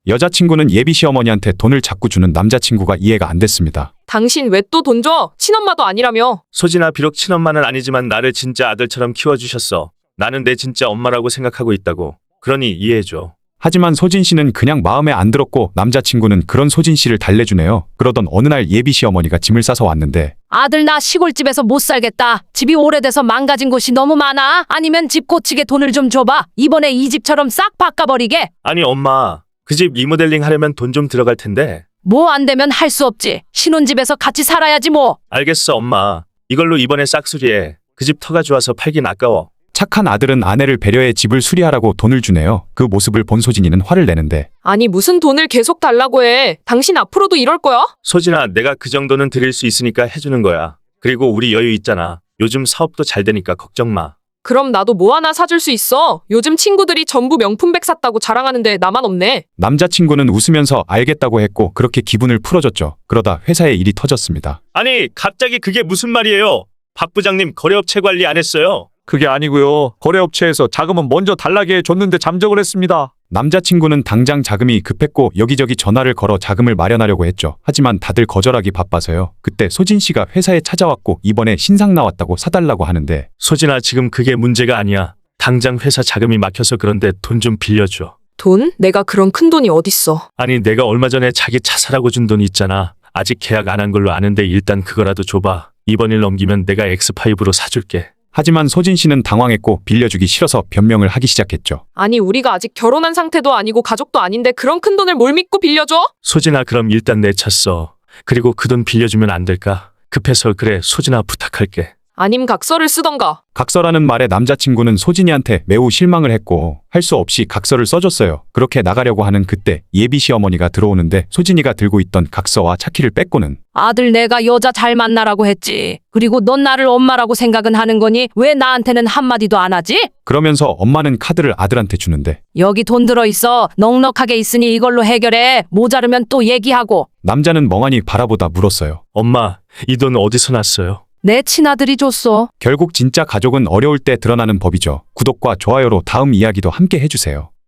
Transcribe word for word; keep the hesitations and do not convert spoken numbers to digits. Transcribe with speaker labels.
Speaker 1: 여자친구는 예비 시어머니한테 돈을 자꾸 주는 남자친구가 이해가 안 됐습니다.
Speaker 2: 당신 왜 또 돈 줘? 친엄마도 아니라며.
Speaker 3: 소진아, 비록 친엄마는 아니지만 나를 진짜 아들처럼 키워주셨어. 나는 내 진짜 엄마라고 생각하고 있다고. 그러니 이해해줘.
Speaker 1: 하지만 소진 씨는 그냥 마음에 안 들었고 남자친구는 그런 소진 씨를 달래주네요. 그러던 어느 날 예비 시어머니가 짐을 싸서 왔는데
Speaker 4: 아들 나 시골집에서 못 살겠다. 집이 오래돼서 망가진 곳이 너무 많아. 아니면 집 고치게 돈을 좀 줘봐. 이번에 이 집처럼 싹 바꿔버리게.
Speaker 3: 아니 엄마, 그 집 리모델링 하려면 돈 좀 들어갈 텐데.
Speaker 4: 뭐 안 되면 할 수 없지. 신혼집에서 같이 살아야지 뭐.
Speaker 3: 알겠어 엄마. 이걸로 이번에 싹수리해. 그 집 터가 좋아서 팔긴 아까워.
Speaker 1: 착한 아들은 아내를 배려해 집을 수리하라고 돈을 주네요. 그 모습을 본 소진이는 화를 내는데
Speaker 2: 아니 무슨 돈을 계속 달라고 해. 당신 앞으로도 이럴 거야?
Speaker 3: 소진아, 내가 그 정도는 드릴 수 있으니까 해주는 거야. 그리고 우리 여유 있잖아. 요즘 사업도 잘 되니까 걱정 마.
Speaker 2: 그럼 나도 뭐 하나 사줄 수 있어. 요즘 친구들이 전부 명품백 샀다고 자랑하는데 나만 없네.
Speaker 1: 남자친구는 웃으면서 알겠다고 했고 그렇게 기분을 풀어줬죠. 그러다 회사에 일이 터졌습니다.
Speaker 3: 아니 갑자기 그게 무슨 말이에요? 박 부장님 거래업체 관리 안 했어요?
Speaker 5: 그게 아니고요. 거래업체에서 자금은 먼저 달라게 줬는데 잠적을 했습니다.
Speaker 1: 남자친구는 당장 자금이 급했고 여기저기 전화를 걸어 자금을 마련하려고 했죠. 하지만 다들 거절하기 바빠서요. 그때 소진 씨가 회사에 찾아왔고 이번에 신상 나왔다고 사달라고 하는데
Speaker 3: 소진아, 지금 그게 문제가 아니야. 당장 회사 자금이 막혀서 그런데 돈 좀 빌려줘.
Speaker 2: 돈? 내가 그런 큰 돈이 어딨어.
Speaker 3: 아니 내가 얼마 전에 자기 차 사라고 준 돈 있잖아. 아직 계약 안 한 걸로 아는데 일단 그거라도 줘봐. 이번 일 넘기면 내가 엑스파이브로 사줄게.
Speaker 1: 하지만 소진 씨는 당황했고 빌려주기 싫어서 변명을 하기 시작했죠.
Speaker 2: 아니 우리가 아직 결혼한 상태도 아니고 가족도 아닌데 그런 큰 돈을 뭘 믿고 빌려줘?
Speaker 3: 소진아, 그럼 일단 내쳤어. 그리고 그 돈 빌려주면 안 될까? 급해서 그래. 소진아, 부탁할게.
Speaker 2: 아님 각서를 쓰던가.
Speaker 1: 각서라는 말에 남자친구는 소진이한테 매우 실망을 했고 할 수 없이 각서를 써줬어요. 그렇게 나가려고 하는 그때 예비 시어머니가 들어오는데 소진이가 들고 있던 각서와 차키를 뺏고는
Speaker 4: 아들 내가 여자 잘 만나라고 했지. 그리고 넌 나를 엄마라고 생각은 하는 거니 왜 나한테는 한마디도 안 하지?
Speaker 1: 그러면서 엄마는 카드를 아들한테 주는데
Speaker 4: 여기 돈 들어있어. 넉넉하게 있으니 이걸로 해결해. 모자르면 또 얘기하고.
Speaker 1: 남자는 멍하니 바라보다 물었어요.
Speaker 3: 엄마, 이 돈 어디서 났어요?
Speaker 4: 내 친아들이 줬어.
Speaker 1: 결국 진짜 가족은 어려울 때 드러나는 법이죠. 구독과 좋아요로 다음 이야기도 함께 해주세요.